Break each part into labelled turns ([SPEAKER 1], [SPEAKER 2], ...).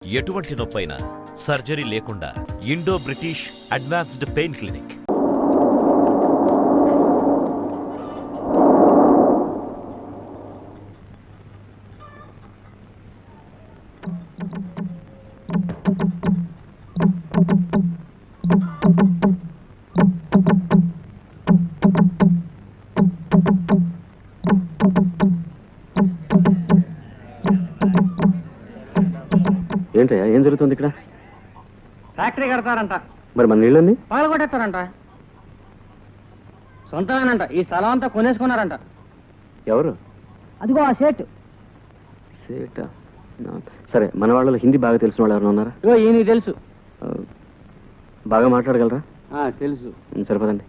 [SPEAKER 1] ఎటువంటి నొప్పైనా సర్జరీ లేకుండా Indo British advanced pain clinic.
[SPEAKER 2] ఏంటయ్యా, ఏం జరుగుతుంది ఇక్కడ?
[SPEAKER 3] ఫ్యాక్టరీ కడతారంట.
[SPEAKER 2] మరి మన నీళ్ళని
[SPEAKER 3] పాలు కొట్టేస్తారంట. సొంతమేనంట. ఈ స్థలం అంతా కొనేసుకున్నారంట.
[SPEAKER 2] ఎవరు?
[SPEAKER 3] అదిగో ఆ సేట్.
[SPEAKER 2] సేట? సరే, మన వాళ్ళలో హిందీ బాగా తెలిసిన వాళ్ళు ఎవరైనా ఉన్నారా?
[SPEAKER 3] ఇగో ఈయన తెలుసు.
[SPEAKER 2] బాగా మాట్లాడగలరా?
[SPEAKER 3] తెలుసు.
[SPEAKER 2] సరిపదండి.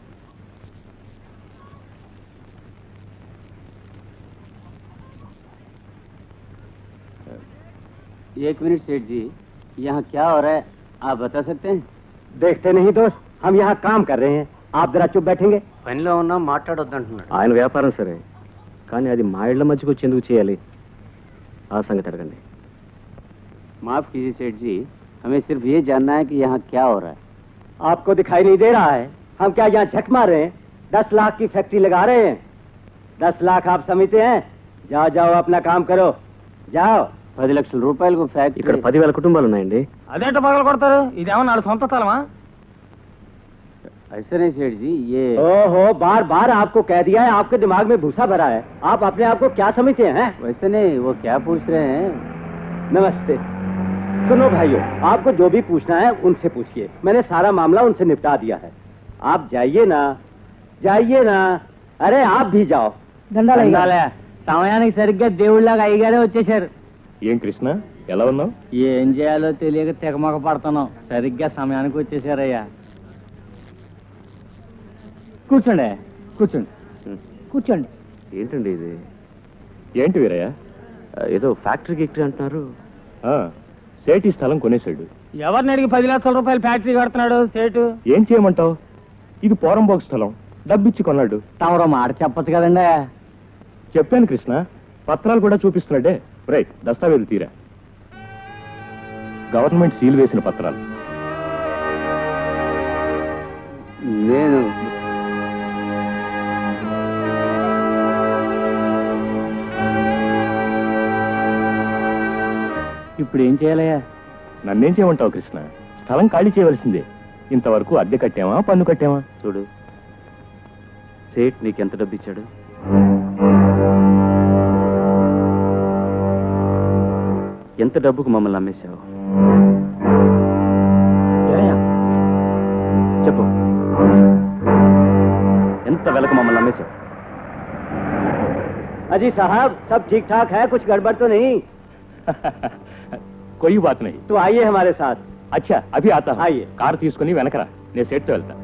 [SPEAKER 3] एक मिनट सेठ जी, यहाँ क्या हो रहा है आप बता सकते हैं?
[SPEAKER 4] देखते नहीं दोस्त, हम यहाँ काम कर रहे हैं. आप जरा चुप बैठेंगे.
[SPEAKER 3] పనిలో ఉన్నా మాట్లాడొద్దంటున్నాడు.
[SPEAKER 2] ఆయన వ్యాపారం సరే, కానీ అది మా ఇళ్ల మధ్యకు వచ్చి ఎందుకు చేయాలి? ఆ సంగతి అడగండి.
[SPEAKER 3] माफ कीजिए सेठ जी, हमें सिर्फ ये जानना है कि यहाँ क्या हो रहा है.
[SPEAKER 4] आपको दिखाई नहीं दे रहा है? हम क्या यहाँ झक मार रहे हैं? 10 लाख की फैक्ट्री लगा रहे हैं. 10 लाख आप समझते हैं? जाओ जाओ अपना काम करो, जाओ.
[SPEAKER 3] 10 లక్షల రూపాయలకు ఫ్యాక్టరీ.
[SPEAKER 2] ఇక్కడ 10,000 కుటుంబాలు ఉన్నాయండి.
[SPEAKER 3] అదేంటో పగలు కొడతారు? ఇదేమో నాడు సొంత స్థలమా? ऐसे नहीं सेठ जी, ये
[SPEAKER 4] ओहो, बार बार आपको कह दिया है, आपके दिमाग में भूसा भरा है. आप अपने आप को क्या समझते हैं?
[SPEAKER 3] वैसे नहीं, वो क्या पूछ रहे हैं?
[SPEAKER 4] नमस्ते. सुनो भाइयों, आपको जो भी पूछना है उनसे पूछिए. मैंने सारा मामला उनसे निपटा दिया है. आप जाइए ना, जाइए ना. अरे आप भी जाओ.
[SPEAKER 3] సమయానికి సరిగ్గా దేవుళ్ళగా అయ్యగారే వచ్చేసారు.
[SPEAKER 2] ఏం కృష్ణ, ఎలా ఉన్నావు?
[SPEAKER 3] ఏం చేయాలో తెలియక తెగమొక పడుతున్నాం. సరిగ్గా సమయానికి వచ్చేసారయ్యా. కూర్చోండి కూర్చోండి కూర్చోండి.
[SPEAKER 2] ఏంటండి ఇది? ఏంటి వీరయ్య, ఏదో ఫ్యాక్టరీ గిక్టరీ అంటున్నారు? సేటు ఈ స్థలం కొనేశాడు.
[SPEAKER 3] ఎవరిని అడిగి 10 లక్షల రూపాయలు ఫ్యాక్టరీ కడుతున్నాడు సేటు?
[SPEAKER 2] ఏం చేయమంటావు? ఇది పోరంబోక్ స్థలం, డబ్బిచ్చి కొన్నాడు.
[SPEAKER 3] తమరో మాట చెప్పచ్చు కదండి.
[SPEAKER 2] చెప్పాను కృష్ణ, పత్రాలు కూడా చూపిస్తున్నాడే. రైట్, దస్తావేజులు తీరా. గవర్నమెంట్ సీల్ వేసిన పత్రాలు.
[SPEAKER 3] నేను ఇప్పుడు ఏం చేయాలయ్యా?
[SPEAKER 2] నన్నేం చేయమంటావు కృష్ణ? స్థలం ఖాళీ చేయవలసిందే. ఇంతవరకు అద్దె కట్టామా, పన్ను కట్టామా? చూడు, సేట్ నీకెంత డబ్బు ఇచ్చాడు? ఎంత డబ్బుకు మమ్మల్ని అమ్మేశావు? చెప్పు, ఎంత వెలకు మమ్మల్ని అమ్మేశావు?
[SPEAKER 4] अजी साहब, सब ठीक ठाक है, कुछ गड़बड़ तो नहीं?
[SPEAKER 2] कोई बात नहीं.
[SPEAKER 4] तो आइए हमारे साथ.
[SPEAKER 2] अच्छा, अभी आता हूं.
[SPEAKER 4] आइए.
[SPEAKER 2] కారు తీసుకుని వెనకరా, నేను సెట్ వెళ్తా.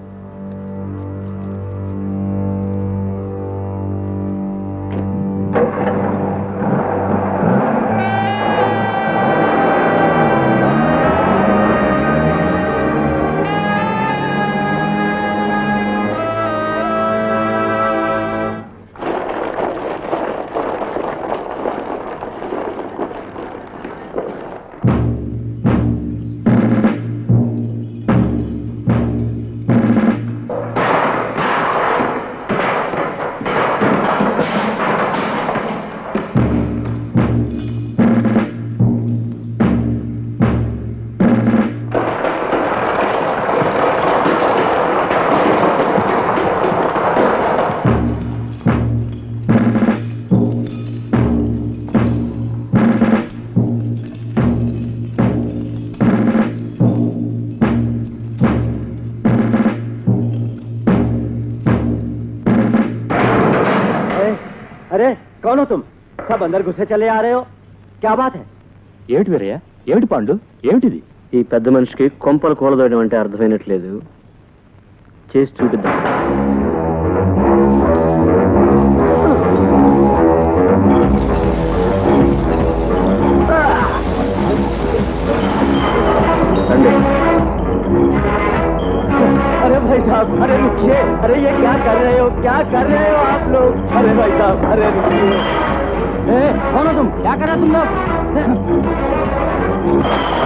[SPEAKER 4] अरे कौन हो तुम? सब अंदर घुसे चले आ रहे हो, क्या बात है?
[SPEAKER 2] ఏమిటి వీరయ్య, ఏమిటి పాండు, ఏమిటిది? ఈ పెద్ద మనిషికి కొంపలు కూలదోయడం అంటే అర్థమైనట్లేదు. చేసి చూపిద్దాం.
[SPEAKER 4] अरे भाई साहब, अरे रुकिए. अरे ये क्या कर रहे हो, क्या कर रहे हो आप लोग? अरे भाई साहब, अरे रुकिए.
[SPEAKER 3] कौन हो तुम? क्या कर रहे हो तुम लोग?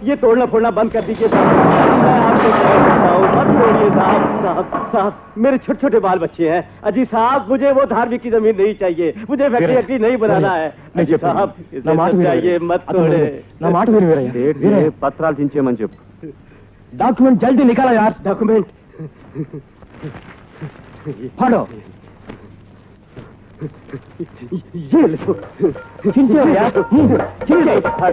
[SPEAKER 4] ये तोड़ना फोड़ना बंद कर दीजिए साहब। मैं आपको कहता हूं, मत तोड़िए साहब। साहब साहब, मेरे छोटे छोटे बाल बच्चे हैं। अजी साहब, मुझे वो धार्मिक की जमीन नहीं चाहिए, मुझे फैक्ट्री नहीं बनाना है। अजी साहब, इसे चाहिए, मत तोड़े।
[SPEAKER 2] నా మాట విను వీరయ్య.
[SPEAKER 3] सेठ
[SPEAKER 2] వీరయ్య,
[SPEAKER 3] ये पत्राలు చించేయమని చెప్పు.
[SPEAKER 2] డాక్యుమెంట్ జల్దీ నికాలా యార్.
[SPEAKER 4] डॉक्यूमेंट
[SPEAKER 2] फाड़ो.
[SPEAKER 4] ये लो।
[SPEAKER 2] చించే యార్. చించే.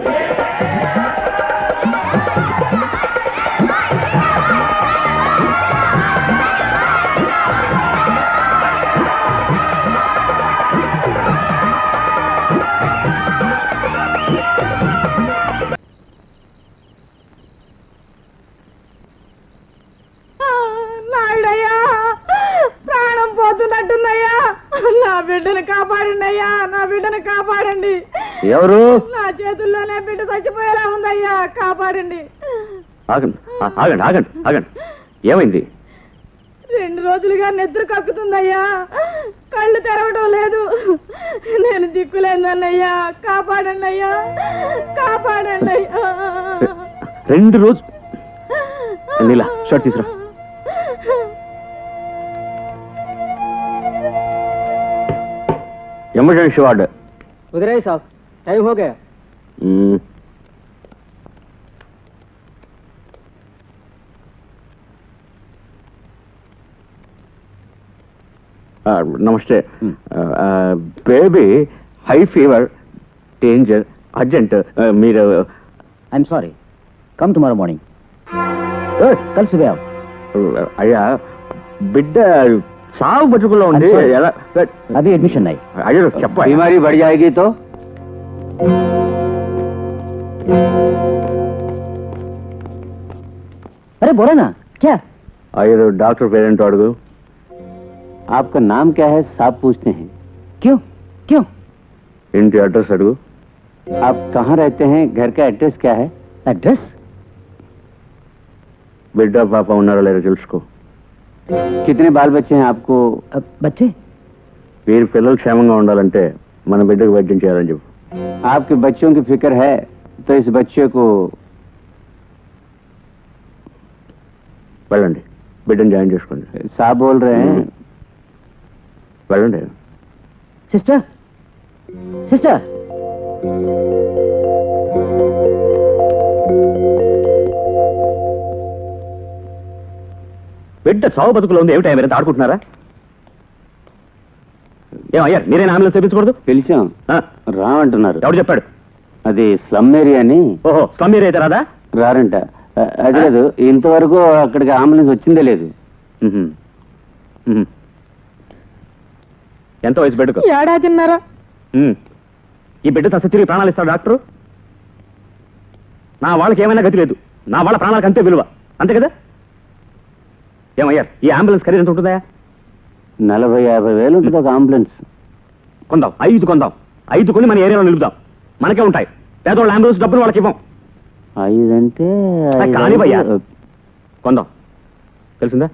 [SPEAKER 5] నాయుడయ్యా, ప్రాణం పోతున్నట్టుందయ్యా. నా బిడ్డను కాపాడండి, నా బిడ్డను కాపాడండి.
[SPEAKER 3] ఎవరు?
[SPEAKER 5] నా చేతుల్లోనే బిడ్డ చచ్చిపోయేలా ఉందయ్యా, కాపాడండి.
[SPEAKER 3] ఆగండి ఆగండి ఆగండి ఆగండి. ఏమైంది?
[SPEAKER 5] 2 రోజులుగా నిద్ర కక్కుతుందయ్యా, కళ్ళు తెరవడం లేదు. నేను దిక్కులేదన్నయ్యా, కాపాడండి అయ్యా, కాపాడండి అయ్యా.
[SPEAKER 3] 2 రోజు. నీలా షర్ట్ తీసురా. Emergency ward.
[SPEAKER 4] उधर ही साहब, टाइम हो गया।
[SPEAKER 3] నమస్తే. బేబీ హై ఫీవర్, డేంజర్, అర్జెంట్. మీరు
[SPEAKER 6] I am sorry, come tomorrow morning. कल सुबह आओ।
[SPEAKER 3] అయ్యా, బిడ్డ సాగు బతుకుల్లో ఉంది.
[SPEAKER 6] I'm sorry.
[SPEAKER 3] ఎలా?
[SPEAKER 6] अभी एडमिशन नहीं।
[SPEAKER 3] అయ్యో చెప్ప.
[SPEAKER 4] बीमारी बढ़ जाएगी तो?
[SPEAKER 6] अरे बोलो ना, क्या?
[SPEAKER 3] అయ్యో డాక్టర్ పేరెంట్ అడుగు.
[SPEAKER 4] आपका नाम क्या है साहब पूछते हैं।
[SPEAKER 6] क्यों क्यों?
[SPEAKER 3] ఇంటి అడ్రస్ అడుగు.
[SPEAKER 4] आप कहाँ रहते हैं, घर का एड्रेस क्या है?
[SPEAKER 6] एड्रेस?
[SPEAKER 3] బిడ్డ పాప ఉన్నారో లేదో తెలుసుకో.
[SPEAKER 4] कितने बाल बच्चे हैं आपको?
[SPEAKER 6] बच्चे?
[SPEAKER 3] వీరి పిల్లలు క్షేమంగా ఉండాలంటే మన బిడ్డకు వైద్యం చేయాలని చెప్పు.
[SPEAKER 4] आपके बच्चों की फिक्र है तो इस बच्चे को
[SPEAKER 3] వెళ్ళండి, బిడ్డను జాయిన్ చేసుకోండి.
[SPEAKER 4] साहब बोल रहे हैं।
[SPEAKER 3] వెళ్ళండి.
[SPEAKER 6] सिस्टर, सिस्टर,
[SPEAKER 3] బిడ్డ చావు బతుకులో ఉంది. ఏమిటా మీరంతా ఆడుకుంటున్నారా? ఏమయ్యా, మీరేనా అంబులెన్స్ తెప్పించకూడదు?
[SPEAKER 4] పిలిచాం,
[SPEAKER 3] ఆ,
[SPEAKER 4] రామంటున్నారు.
[SPEAKER 3] ఎవడు చెప్పాడు?
[SPEAKER 4] అది స్లమ్ ఏరియా అని
[SPEAKER 3] ఓహో, స్లమ్ ఏరియా అయితే రాదా?
[SPEAKER 4] రారంట. అది లేదు, ఇంతవరకు అక్కడికి అంబులెన్స్ వచ్చిందే లేదు.
[SPEAKER 3] మ్మ్. మ్మ్. ఎంత వయసు బిడ్డకు?
[SPEAKER 5] ఏడాదిన్నర.
[SPEAKER 3] మ్మ్. ఈ బిడ్డ తస తిరిగి ప్రాణాలు ఇస్తాడు డాక్టరు? నా వాళ్ళకి ఏమైనా గతి లేదు, నా వాళ్ళ ప్రాణాలకు అంతే విలువ, అంతే కదా? ఏమయ్యా, ఈ అంబులెన్స్ ఖరీదు ఎంత ఉంటుందా?
[SPEAKER 4] 40-50 వేలు ఉంటుంది ఒక అంబులెన్స్.
[SPEAKER 3] కొందాం, 5 కొందాం. 5 కొని మన ఏరియాలో నిలుపుదాం, మనకే ఉంటాయి. పేదవాళ్ళ అంబులెన్స్ డబ్బులు వాళ్ళకి ఇవ్వం.
[SPEAKER 4] 5 అంటే
[SPEAKER 3] కానీ భయ్యా, కొందాం. తెలిసిందా?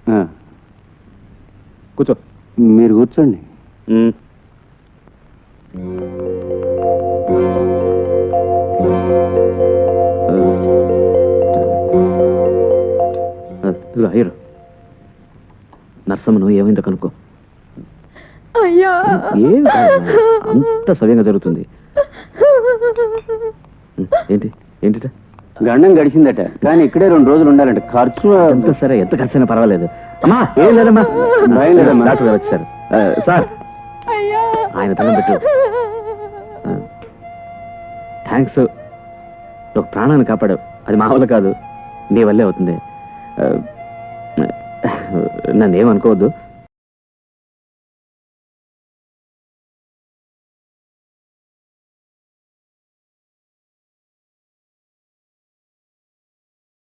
[SPEAKER 3] కూర్చో.
[SPEAKER 4] మీరు కూర్చోండి.
[SPEAKER 3] మ్మ్. ఇదిగో హీరో, నర్సమ్మను ఏమైందో కనుక్కో.
[SPEAKER 5] అయ్యా,
[SPEAKER 3] ఏం అంత సవ్యంగా జరుగుతుంది. ఏంటి ఏంటిట?
[SPEAKER 4] గండం గడిచిందట, కానీ ఇక్కడే 2 రోజులు ఉండాలంట. ఖర్చు
[SPEAKER 3] ఎంత సరే, ఎంత ఖర్చైనా పర్వాలేదు. అమ్మా, ఏం లేదమ్మా,
[SPEAKER 4] భయం లేదమ్మా.
[SPEAKER 3] డాక్టర్ గారు వచ్చారు. సార్,
[SPEAKER 5] అయ్యా,
[SPEAKER 3] ఆయన దండం పెట్టు. థ్యాంక్స్, ఒక ప్రాణాన్ని కాపాడావు. అది మా వల్ల కాదు, నీ వల్లే అవుతుంది. నన్ను ఏమనుకోవద్దు.